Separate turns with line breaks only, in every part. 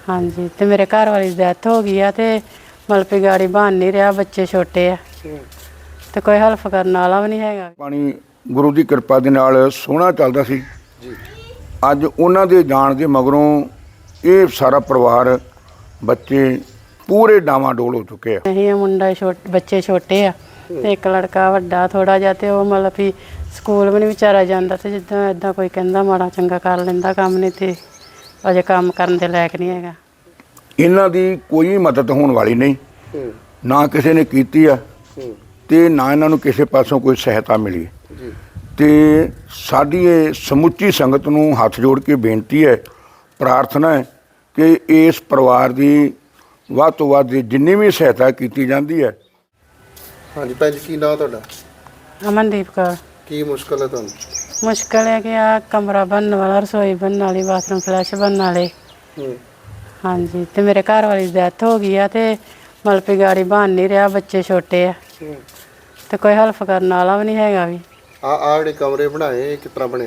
हाँ जी, तो मेरे घर वाली की डेथ हो गई है तो मतलब भी गाड़ी बन नहीं रहा, बच्चे छोटे आ तो कोई हेल्प करने वाला भी नहीं है।
ਪਾਣੀ ਗੁਰੂ ਦੀ ਕਿਰਪਾ ਦੇ ਨਾਲ ਸੋਹਣਾ ਚੱਲਦਾ ਸੀ
ਜੀ
ਅੱਜ ਉਹਨਾਂ ਦੇ ਜਾਣ ਦੇ ਮਗਰੋਂ ਇਹ ਸਾਰਾ ਪਰਿਵਾਰ ਬੱਚੇ ਪੂਰੇ ਡਾਵਾਂਡੋਲ ਹੋ ਚੁੱਕੇ ਆ।
नहीं मुंडा बच्चे छोटे आ ते एक लड़का वड्डा थोड़ा जिहा ते वो मतलब भी स्कूल भी नहीं बेचारा जांदा ते जिद्दां इदां कोई कहंदा माड़ा चंगा कर लैंदा काम नहीं ते अजे काम करन दे लायक नहीं हैगा।
ਇਹਨਾਂ ਦੀ ਕੋਈ ਮਦਦ ਹੋਣ ਵਾਲੀ ਨਹੀਂ, ਨਾ ਕਿਸੇ ਨੇ ਕੀਤੀ ਆ ਤੇ ਨਾ ਇਹਨਾਂ ਨੂੰ ਕਿਸੇ ਪਾਸੋਂ ਕੋਈ ਸਹਾਇਤਾ ਮਿਲੀ।
ਜੀ
ਤੇ ਸਾਡੀ ਇਹ ਸਮੁੱਚੀ ਸੰਗਤ ਨੂੰ ਹੱਥ ਜੋੜ ਕੇ ਬੇਨਤੀ ਹੈ, ਪ੍ਰਾਰਥਨਾ ਹੈ ਕਿ ਇਸ ਪਰਿਵਾਰ ਦੀ ਵੱਧ ਤੋਂ ਵੱਧ ਜਿੰਨੀ ਵੀ ਸਹਾਇਤਾ ਕੀਤੀ ਜਾਂਦੀ ਹੈ।
ਹਾਂਜੀ ਭੈਣ ਜੀ, ਕੀ ਨਾਂ ਤੁਹਾਡਾ?
अमनदीप कौर।
ਕੀ ਮੁਸ਼ਕਲ ਹੈ ਤੁਹਾਨੂੰ?
मुश्किल है कि आ कमरा बनने वाला, रसोई बनने वाली, बाथरूम फ्लैश बनने वाले।
ਹੂੰ
हाँ जी, तो मेरे घर वाली की डेथ हो गई है तो मतलब भी गाड़ी बन नहीं रहा, बच्चे छोटे आ
ਹੂੰ
तो कोई हेल्प करने वाला भी नहीं हैगा भी।
ਆ ਜਿਹੜੇ ਕਮਰੇ ਬਣਾਏ ਇਹ ਕਿਸ ਤਰ੍ਹਾਂ ਬਣੇ?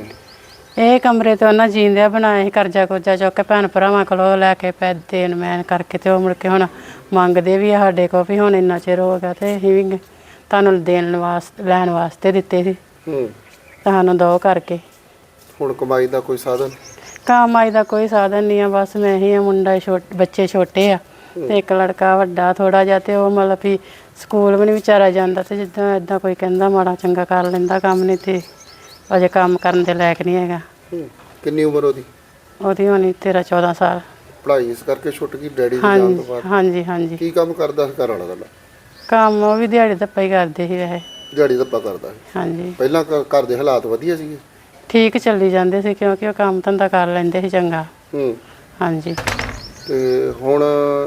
ਇਹ ਕਮਰੇ ਤੇ ਉਹਨਾਂ ਜੀਂਦਿਆਂ ਬਣਾਏ ਸੀ, ਕਰਜ਼ਾ ਕੁਰਜ਼ਾ ਚੁੱਕ ਕੇ ਭੈਣ ਭਰਾਵਾਂ ਕੋਲੋਂ ਲੈ ਕੇ ਪੈਸੇ ਦੇਣ ਮੈਨ ਕਰਕੇ ਤੇ ਉਹ ਮੁੜ ਕੇ ਹੁਣ ਮੰਗਦੇ ਵੀ ਆ ਸਾਡੇ ਕੋਲ ਵੀ ਹੁਣ ਇੰਨਾ ਚਿਰ ਹੋ ਗਿਆ ਤੇ ਅਸੀਂ ਵੀ ਤੁਹਾਨੂੰ ਦੇਣ ਵਾਸਤੇ ਲੈਣ ਵਾਸਤੇ ਦਿੱਤੇ ਸੀ,
ਹੂੰ
ਤੁਹਾਨੂੰ ਦੋ ਕਰਕੇ।
ਹੁਣ ਕਮਾਈ ਦਾ ਕੋਈ ਸਾਧਨ?
ਕਮਾਈ ਦਾ ਕੋਈ ਸਾਧਨ ਨਹੀਂ ਆ, ਬਸ ਮੈਂ ਹੀ ਆ, ਮੁੰਡਾ ਬੱਚੇ ਛੋਟੇ ਆ ਤੇ ਇੱਕ ਲੜਕਾ ਵੱਡਾ ਥੋੜਾ ਜਿਹਾ ਤੇ ਉਹ ਮਤਲਬ ਵੀ ਸਕੂਲ ਵੀ ਨਹੀਂ ਵਿਚਾਰਾ ਜਾਂਦਾ ਤੇ ਜਿੱਦਾਂ ਇਦਾਂ ਕੋਈ ਕਹਿੰਦਾ ਮਾੜਾ ਚੰਗਾ ਕਰ ਲੈਂਦਾ ਕੰਮ ਨਹੀਂ ਤੇ ਅਜੇ ਕੰਮ ਕਰਨ ਦੇ ਲਾਇਕ ਨਹੀਂ ਹੈਗਾ।
ਹੂੰ ਕਿੰਨੀ ਉਮਰ ਉਹਦੀ?
ਉਹਦੀ ਹੋਣੀ 13-14 ਸਾਲ।
ਪੜ੍ਹਾਈ ਇਸ ਕਰਕੇ ਛੁੱਟ ਗਈ ਡੈਡੀ ਦੇ ਜਾਣ ਤੋਂ ਬਾਅਦ?
ਹਾਂਜੀ ਹਾਂਜੀ।
ਕੀ ਕੰਮ ਕਰਦਾ ਸੀ ਘਰ ਵਾਲਾ ਤੁਹਾਡਾ?
ਕੰਮ ਉਹ ਵੀ ਦਿਹਾੜੀ ਧੱਪਾ ਹੀ ਕਰਦੇ ਸੀ ਵੈਸੇ।
ਦਿਹਾੜੀ ਧੱਪਾ ਕਰਦਾ ਸੀ?
ਹਾਂਜੀ,
ਪਹਿਲਾਂ ਘਰ ਦੇ ਹਾਲਾਤ ਵਧੀਆ ਸੀਗੇ?
ਠੀਕ ਚੱਲੀ ਜਾਂਦੇ ਸੀ ਕਿਉਂਕਿ ਉਹ ਕੰਮ ਧੰਦਾ ਕਰ ਲੈਂਦੇ ਸੀ ਚੰਗਾ।
ਹੂੰ
ਹਾਂਜੀ।
ਤੇ ਹੁਣ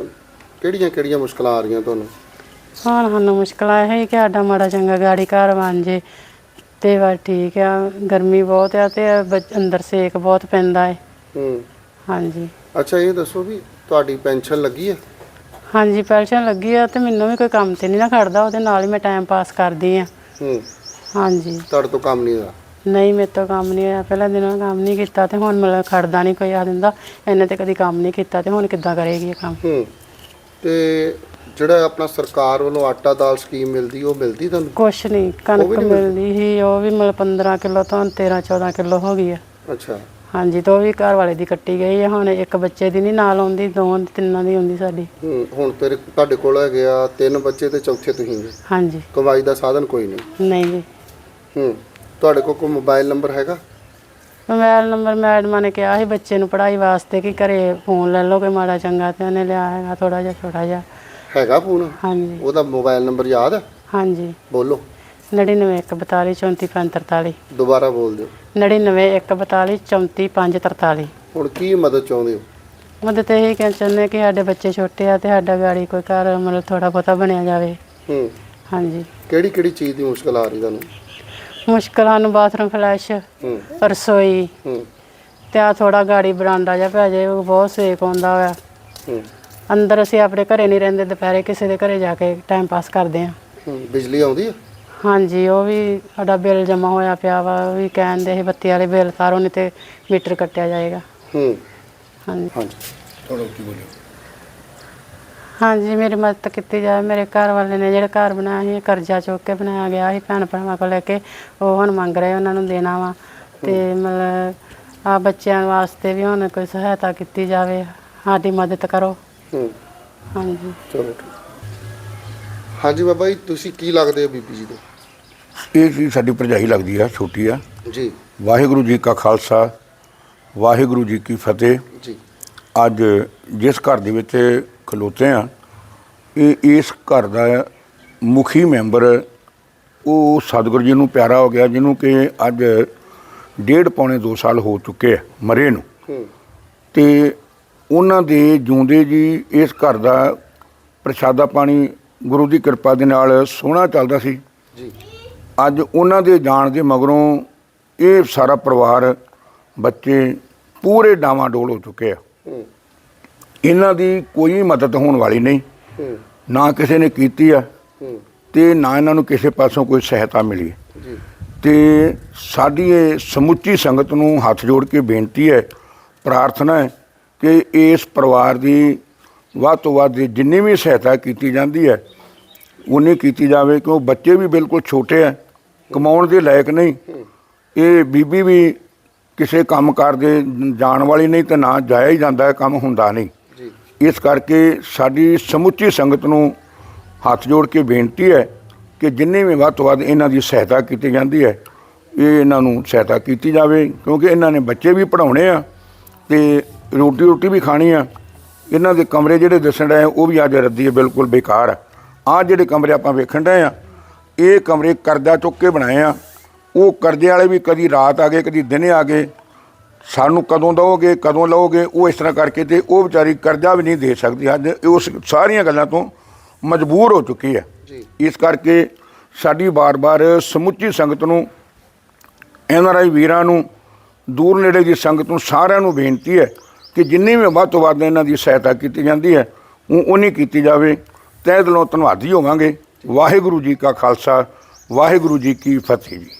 ਕਿਹੜੀਆਂ ਮੁਸ਼ਕਲਾਂ ਆ ਰਹੀਆਂ ਤੁਹਾਨੂੰ?
ਹੁਣ ਸਾਨੂੰ ਮੁਸ਼ਕਲਾਂ ਇਹ ਹੀ ਕਿ ਸਾਡਾ ਮਾੜਾ ਚੰਗਾ ਗਾੜੀ ਘਰ ਬਣ ਜੇ ਤੇ ਬਸ ਠੀਕ ਆ। ਗਰਮੀ ਬਹੁਤ ਆ ਤੇ ਅੰਦਰ ਸੇਕ ਬਹੁਤ ਪੈਂਦਾ ਹੈ।
ਹੂੰ
ਹਾਂਜੀ
ਅੱਛਾ, ਇਹ ਦੱਸੋ ਵੀ ਤੁਹਾਡੀ ਪੈਨਸ਼ਨ ਲੱਗੀ ਹੈ?
ਹਾਂਜੀ, ਪੈਨਸ਼ਨ ਲੱਗੀ ਆ ਤੇ ਮੈਨੂੰ ਵੀ ਕੋਈ ਕੰਮ ਤੇ ਨਹੀਂ ਨਾ ਖੜਦਾ, ਉਹਦੇ ਨਾਲ ਹੀ ਮੈਂ ਟਾਈਮ ਪਾਸ ਕਰਦੀ ਆ।
ਹੂੰ
ਹਾਂਜੀ।
ਤੁਹਾਡੇ ਤੋਂ ਕੰਮ ਨਹੀਂ ਹੋਇਆ?
ਨਹੀਂ, ਮੇਰੇ ਤੋਂ ਕੰਮ ਨਹੀਂ ਹੋਇਆ, ਪਹਿਲਾਂ ਦਿਨੋਂ ਕੰਮ ਨਹੀਂ ਕੀਤਾ ਤੇ ਹੁਣ ਮਤਲਬ ਖੜਦਾ ਨਹੀਂ ਕੋਈ ਆ ਦਿੰਦਾ, ਇਹਨੇ ਤੇ ਕਦੀ ਕੰਮ ਨਹੀਂ ਕੀਤਾ ਤੇ ਹੁਣ ਕਿੱਦਾਂ ਕਰੇਗੀ ਇਹ ਕੰਮ।
ਹੂੰ ਤੇ ਜਿਹੜਾ ਆਪਣਾ ਸਰਕਾਰ ਵੱਲੋਂ ਆਟਾ ਦਾਲ ਸਕੀਮ ਮਿਲਦੀ ਉਹ ਮਿਲਦੀ ਤੁਹਾਨੂੰ?
ਕੁਛ ਨਹੀਂ, ਕਣਕ ਮਿਲਦੀ ਸੀ ਉਹ ਵੀ ਮਤਲਬ 15 ਕਿਲੋ ਤੋਂ 13-14 ਕਿਲੋ ਹੋ ਗਈ ਆ।
ਅੱਛਾ।
ਹਾਂਜੀ, ਤੇ ਉਹ ਵੀ ਘਰ ਵਾਲੇ ਦੀ ਕੱਟੀ ਗਈ ਆ, ਹੁਣ ਇੱਕ ਬੱਚੇ ਦੀ ਨਹੀਂ ਨਾਲ ਆਉਂਦੀ, ਦੋਵਾਂ ਤਿੰਨਾਂ ਦੀ ਆਉਂਦੀ ਸਾਡੀ।
ਹੁਣ ਤੁਹਾਡੇ ਕੋਲ ਹੈਗੇ ਆ 3 ਬੱਚੇ ਤੇ ਚੌਥੇ ਤੁਸੀਂ ਜੀ?
ਹਾਂਜੀ।
ਕਮਾਈ ਦਾ ਸਾਧਨ ਕੋਈ ਨਹੀਂ?
ਨਹੀਂ ਜੀ।
ਤੁਹਾਡੇ ਕੋਲ ਕੋਈ ਮੋਬਾਈਲ ਨੰਬਰ ਹੈਗਾ?
ਮੋਬਾਈਲ ਨੰਬਰ ਮੈਡਮਾਂ ਨੇ ਕਿਹਾ ਸੀ ਬੱਚੇ ਨੂੰ ਪੜ੍ਹਾਈ ਵਾਸਤੇ ਕਿ ਘਰੇ ਫੋਨ ਲੈ ਲਓ ਕੋਈ ਮਾੜਾ ਚੰਗਾ, ਤੇ ਉਹਨੇ ਲਿਆ ਹੈਗਾ ਥੋੜਾ ਜਿਹਾ ਛੋਟਾ ਜਿਹਾ।
ਹੈਗਾ ਫੋਨ?
ਹਾਂਜੀ।
ਉਹਦਾ ਮੋਬਾਈਲ ਨੰਬਰ ਯਾਦ ਹੈ?
ਹਾਂਜੀ।
ਬੋਲੋ।
9914244543।
ਦੁਬਾਰਾ ਬੋਲ ਦਿਓ।
9914244543।
ਹੁਣ ਕੀ ਮਦਦ ਚਾਹੁੰਦੇ ਹੋ?
ਮਦਦ ਇਹ ਕਹਿਣਾ ਚਾਹੁੰਦੇ ਕਿ ਸਾਡੇ ਬੱਚੇ ਛੋਟੇ ਆ ਤੇ ਸਾਡਾ ਗਾੜੀ ਕੋਈ ਘਰ ਮਤਲਬ ਥੋੜਾ ਬਹੁਤਾ ਬਣਿਆ ਜਾਵੇ। ਹਾਂਜੀ।
ਕਿਹੜੀ ਚੀਜ਼ ਦੀ ਮੁਸ਼ਕਲ ਆ ਰਹੀ ਤੁਹਾਨੂੰ?
ਮੁਸ਼ਕਲਾਂ ਨੂੰ ਬਾਥਰੂਮ ਫਲੈਸ਼, ਰਸੋਈ ਤੇ ਆ ਥੋੜਾ ਗਾੜੀ ਬਰਾਂਡਾ ਜਿਹਾ ਪੈ ਜਾਏ, ਉਹ ਬਹੁਤ ਸੇਕ ਆਉਂਦਾ ਹੋਇਆ। ਅੰਦਰ ਅਸੀਂ ਆਪਣੇ ਘਰੇ ਨਹੀਂ ਰਹਿੰਦੇ, ਦੁਪਹਿਰੇ ਕਿਸੇ ਦੇ ਘਰੇ ਜਾ ਕੇ ਟਾਈਮ ਪਾਸ ਕਰਦੇ ਆ।
ਬਿਜਲੀ ਆਉਂਦੀ ਹੈ?
ਹਾਂਜੀ, ਉਹ ਵੀ ਸਾਡਾ ਬਿੱਲ ਜਮਾ ਹੋਇਆ ਪਿਆ ਵਾ, ਉਹ ਵੀ ਕਹਿੰਦੇ ਸੀ ਬੱਤੀ ਵਾਲੇ ਬਿੱਲ ਤਾਰੋ ਨਹੀਂ ਤੇ ਮੀਟਰ ਕੱਟਿਆ ਜਾਏਗਾ। ਹਾਂਜੀ ਹਾਂਜੀ, ਮੇਰੀ ਮਦਦ ਕੀਤੀ ਜਾਵੇ। ਮੇਰੇ ਘਰ ਵਾਲੇ ਨੇ ਜਿਹੜਾ ਘਰ ਬਣਾਇਆ ਸੀ ਕਰਜ਼ਾ ਚੁੱਕ ਕੇ ਬਣਾਇਆ ਗਿਆ ਸੀ ਭੈਣ ਭਰਾਵਾਂ ਕੋਲ ਲੈ ਕੇ, ਉਹ ਹੁਣ ਮੰਗ ਰਹੇ ਉਹਨਾਂ ਨੂੰ ਦੇਣਾ ਵਾ ਤੇ ਮਤਲਬ ਆ ਬੱਚਿਆਂ ਵਾਸਤੇ ਵੀ ਹੁਣ ਕੋਈ ਸਹਾਇਤਾ ਕੀਤੀ ਜਾਵੇ, ਸਾਡੀ ਮਦਦ ਕਰੋ। ਹਾਂਜੀ।
ਚਲੋ ਠੀਕ। ਹਾਂਜੀ ਬਾਬਾ ਜੀ, ਤੁਸੀਂ ਕੀ ਲੱਗਦੇ ਹੋ ਬੀਬੀ ਜੀ ਦੇ?
ਇਹ ਚੀਜ਼ ਸਾਡੀ ਭਰਜਾਈ ਲੱਗਦੀ ਆ, ਛੋਟੀ ਆ
ਜੀ।
ਵਾਹਿਗੁਰੂ ਜੀ ਕਾ ਖਾਲਸਾ, ਵਾਹਿਗੁਰੂ ਜੀ ਕੀ ਫਤਿਹ।
ਜੀ।
ਅੱਜ ਜਿਸ ਘਰ ਦੇ ਵਿੱਚ ਖਲੋਤੇ ਆ, ਇਸ ਘਰ ਦਾ ਮੁਖੀ ਮੈਂਬਰ ਉਹ ਸਤਿਗੁਰੂ ਜੀ ਨੂੰ ਪਿਆਰਾ ਹੋ ਗਿਆ, ਜਿਹਨੂੰ ਕਿ ਅੱਜ 1.5-2 ਸਾਲ ਹੋ ਚੁੱਕੇ ਆ ਮਰੇ ਨੂੰ। ਤੇ ਉਹਨਾਂ ਦੇ ਜਿਉਂਦੇ ਜੀ ਇਸ ਘਰ ਦਾ ਪ੍ਰਸ਼ਾਦਾ ਪਾਣੀ ਗੁਰੂ ਦੀ ਕਿਰਪਾ ਦੇ ਨਾਲ ਸੋਹਣਾ ਚੱਲਦਾ ਸੀ
ਜੀ।
ਅੱਜ ਉਹਨਾਂ ਦੇ ਜਾਣ ਦੇ ਮਗਰੋਂ ਇਹ ਸਾਰਾ ਪਰਿਵਾਰ ਬੱਚੇ ਪੂਰੇ ਡਾਵਾਂਡੋਲ ਹੋ ਚੁੱਕੇ ਆ। ਇਹਨਾਂ ਦੀ ਕੋਈ ਮਦਦ ਹੋਣ ਵਾਲੀ ਨਹੀਂ, ਨਾ ਕਿਸੇ ਨੇ ਕੀਤੀ ਆ ਤੇ ਨਾ ਇਹਨਾਂ ਨੂੰ ਕਿਸੇ ਪਾਸੋਂ ਕੋਈ ਸਹਾਇਤਾ ਮਿਲੀ। ਤੇ ਸਾਡੀ ਇਹ ਸਮੁੱਚੀ ਸੰਗਤ ਨੂੰ ਹੱਥ ਜੋੜ ਕੇ ਬੇਨਤੀ ਹੈ, ਪ੍ਰਾਰਥਨਾ ਹੈ ਕਿ ਇਸ ਪਰਿਵਾਰ ਦੀ ਵੱਧ ਤੋਂ ਵੱਧ ਜਿੰਨੀ ਵੀ ਸਹਾਇਤਾ ਕੀਤੀ ਜਾਂਦੀ ਹੈ ਉਨੀ ਕੀਤੀ ਜਾਵੇ, ਕਿਉਂ ਬੱਚੇ ਵੀ ਬਿਲਕੁਲ ਛੋਟੇ ਆ, ਕਮਾਉਣ ਦੇ ਲਾਇਕ ਨਹੀਂ। ਇਹ ਬੀਬੀ ਵੀ ਕਿਸੇ ਕੰਮ ਕਾਰ ਦੇ ਜਾਣ ਵਾਲੀ ਨਹੀਂ, ਤੇ ਨਾ ਜਾਇਆ ਹੀ ਜਾਂਦਾ, ਕੰਮ ਹੁੰਦਾ ਨਹੀਂ। ਇਸ ਕਰਕੇ ਸਾਡੀ ਸਮੁੱਚੀ ਸੰਗਤ ਨੂੰ ਹੱਥ ਜੋੜ ਕੇ ਬੇਨਤੀ ਹੈ ਕਿ ਜਿੰਨੇ ਵੀ ਵੱਧ ਤੋਂ ਵੱਧ ਇਹਨਾਂ ਦੀ ਸਹਾਇਤਾ ਕੀਤੀ ਜਾਂਦੀ ਹੈ, ਇਹ ਇਹਨਾਂ ਨੂੰ ਸਹਾਇਤਾ ਕੀਤੀ ਜਾਵੇ, ਕਿਉਂਕਿ ਇਹਨਾਂ ਨੇ ਬੱਚੇ ਵੀ ਪੜ੍ਹਾਉਣੇ ਆ ਤੇ ਰੋਟੀ ਵੀ ਖਾਣੀ ਆ। ਇਹਨਾਂ ਦੇ ਕਮਰੇ ਜਿਹੜੇ ਦੱਸਣ ਰਹੇ ਉਹ ਵੀ ਅੱਜ ਰੱਦੀ ਬਿਲਕੁਲ ਬੇਕਾਰ ਆ। ਆਹ ਜਿਹੜੇ ਕਮਰੇ ਆਪਾਂ ਵੇਖਣ ਰਹੇ ਆ, ਇਹ ਕਮਰੇ ਕਰਜ਼ਾ ਚੁੱਕ ਕੇ ਬਣਾਏ ਆ। ਉਹ ਕਰਜ਼ੇ ਵਾਲੇ ਵੀ ਕਦੀ ਰਾਤ ਆ ਗਏ, ਕਦੀ ਦਿਨੇ ਆ ਗਏ, ਸਾਨੂੰ ਕਦੋਂ ਦਓਗੇ, ਕਦੋਂ ਲਓਗੇ, ਉਹ ਇਸ ਤਰ੍ਹਾਂ ਕਰਕੇ ਤੇ ਉਹ ਵਿਚਾਰੀ ਕਰਜ਼ਾ ਵੀ ਨਹੀਂ ਦੇ ਸਕਦੀ। ਅੱਜ ਉਸ ਸਾਰੀਆਂ ਗੱਲਾਂ ਤੋਂ ਮਜਬੂਰ ਹੋ ਚੁੱਕੀ ਹੈ। ਇਸ ਕਰਕੇ ਸਾਡੀ ਬਾਰ-ਬਾਰ ਸਮੁੱਚੀ ਸੰਗਤ ਨੂੰ, NRI ਵੀਰਾਂ ਨੂੰ, ਦੂਰ ਨੇੜੇ ਦੀ ਸੰਗਤ ਨੂੰ, ਸਾਰਿਆਂ ਨੂੰ ਬੇਨਤੀ ਹੈ ਕਿ ਜਿੰਨੀ ਵੀ ਵੱਧ ਤੋਂ ਵੱਧ ਇਹਨਾਂ ਦੀ ਸਹਾਇਤਾ ਕੀਤੀ ਜਾਂਦੀ ਹੈ ਉਹ ਉਨੀ ਕੀਤੀ ਜਾਵੇ। ਤਹਿ ਦਿਲੋਂ ਧੰਨਵਾਦੀ ਹੋਵਾਂਗੇ। ਵਾਹਿਗੁਰੂ ਜੀ ਕਾ ਖਾਲਸਾ, ਵਾਹਿਗੁਰੂ ਜੀ ਕੀ ਫਤਿਹ ਜੀ।